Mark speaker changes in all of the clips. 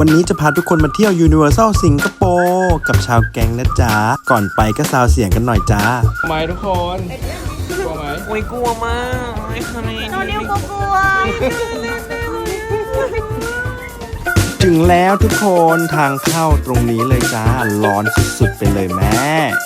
Speaker 1: วันนี้จะพาทุกคนมาเที่ยว Universal สิงคโปร์กับชาวแก๊งนะจ๊ะก่อนไปก็ซาวเสียงกันหน่อยจ้า
Speaker 2: ไหมทุกคนกลัวไหม
Speaker 3: โอ้ยกลัวมากไอ้ทำไม
Speaker 4: โนนิวก็กลัว
Speaker 1: ถึงแล้วทุกคนทางเข้าตรงนี้เลยจ้าร้อนสุดๆไปเลยแม่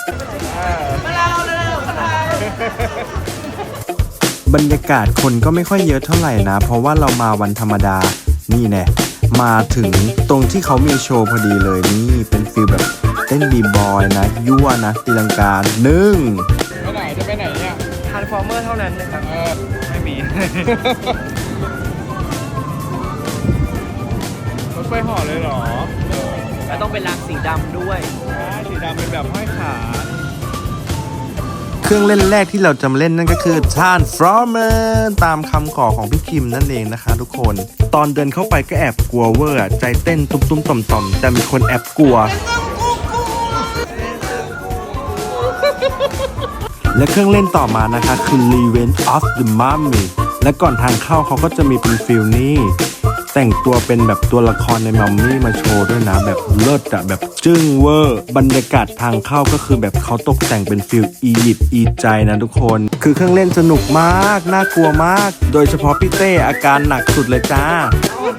Speaker 1: บรรยากาศคนก็ไม่ค่อยเยอะเท่าไหร่นะเพราะว่าเรามาวันธรรมดานี่แน่มาถึงตรงที่เขามีโชว์พอดีเลยนี่เป็นฟีลแบบเต้นบีบอยนะยั่วนะตีลังกาหนึ่ง
Speaker 2: ไปไหนจะไปไหนเนี่ย
Speaker 3: ทรานส์ฟอร์เมอร์เท่านั้นนะครับไม่มี
Speaker 2: รถไฟห่อเลยเหรอ
Speaker 3: แล้วต้องเป็นรางสีดำด้วย
Speaker 2: สีดำเป็นแบบห้อยขา
Speaker 1: เครื่องเล่นแรกที่เราจะมาเล่นนั่นก็คือ Transformer ตามคำขอของพี่คิมนั่นเองนะคะทุกคนตอนเดินเข้าไปก็แอบกลัวเวอร์ใจเต้นตุ้มๆต่อมๆแต่มีคนแอบกลัวและเครื่องเล่นต่อมานะคะคือ Revenge of the Mummy และก่อนทางเข้าเขาก็จะมีเป็นฟิลนี้แต่งตัวเป็นแบบตัวละครในมัมมี่มาโชว์ด้วยนะแบบเลิศอะแบบจึ้งเวอร์บรรยากาศทางเข้าก็คือแบบเขาตกแต่งเป็นฟิลอียิปต์อีใจนะทุกคนคือเครื่องเล่นสนุกมากน่ากลัวมากโดยเฉพาะพี่เต้อาการหนักสุดเลยจ้า
Speaker 3: โอ้โห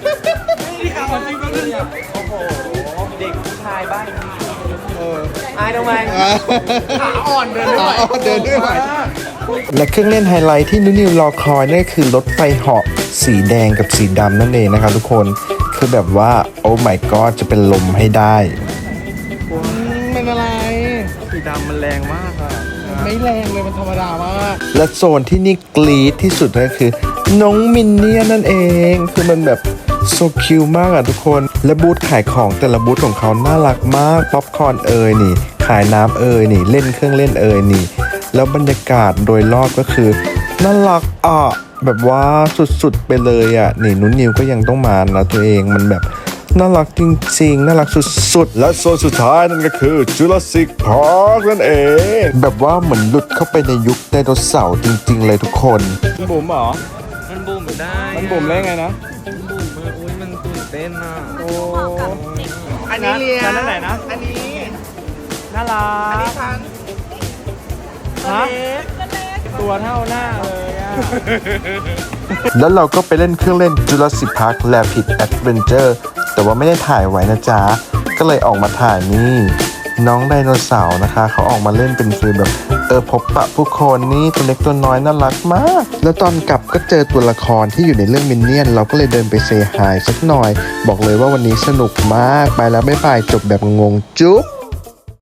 Speaker 3: เด็กผู้ชายบ้านอายทำไมขาอ่อนเดินไม่ไหว
Speaker 1: และเครื่องเล่นไฮไลท์ที่นุนิวรอคอยนั่นคือรถไฟเหาะสีแดงกับสีดำนั่นเองนะครับทุกคนคือแบบว่าโอ้ my god จะเป็นลมให้ได้
Speaker 2: เป็นอะไร
Speaker 3: สีดำมันแรงมากอะ
Speaker 2: ไม่แรงเลยมันธรรมดามาก
Speaker 1: และโซนที่นี่กรี๊ดที่สุดก็คือน้องมินเนี่ยนั่นเองคือมันแบบโซคิวมากอ่ะทุกคนและบูธขายของแต่ละบูธของเขาน่ารักมากป๊อปคอร์นนี่ขายน้ำนี่เล่นเครื่องเล่นนี่แล้วบรรยากาศโดยรอบก็คือน่ารักแบบว่าสุดๆไปเลยนี่นุ้นนิวก็ยังต้องมานะตัวเองมันแบบน่ารักจริงๆน่ารักสุดๆและโซนสุดท้ายนั่นก็คือ Jurassic Park นั่นเองแบบว่าเหมือนหลุดเข้าไปในยุคไดโนเสาร์จริงๆเลยทุกคน
Speaker 2: มันบุ๋มเหรอ
Speaker 3: มันบุ๋มได้
Speaker 2: มันบุ๋มได้ไงนะ
Speaker 3: มันบุ๋มอุ้ยมันตื่นเต้นอ่ะ
Speaker 2: โอ้
Speaker 3: อันนี้เรียน
Speaker 2: นั่นไหนนะ
Speaker 3: อันนี้
Speaker 2: น่ารัก
Speaker 3: อันนี้ทัน
Speaker 2: ฮะตัวเท่าหน้าเลย
Speaker 1: แล้วเราก็ไปเล่นเครื่องเล่น Jurassic Park Rapid Adventure แต่ว่าไม่ได้ถ่ายไว้นะจ๊ะก็เลยออกมาถ่ายนี่น้องไดโนเสาร์นะคะเขาออกมาเล่นเป็นฟีลแบบพบปะผู้คนนี่ตัวเล็กตัวน้อยน่ารักมากแล้วตอนกลับก็เจอตัวละครที่อยู่ในเรื่องมินเนี่ยนเราก็เลยเดินไปเซฮายสักหน่อยบอกเลยว่าวันนี้สนุกมากไปแล้วบ๊ายบายจบแบบงงจุ๊บ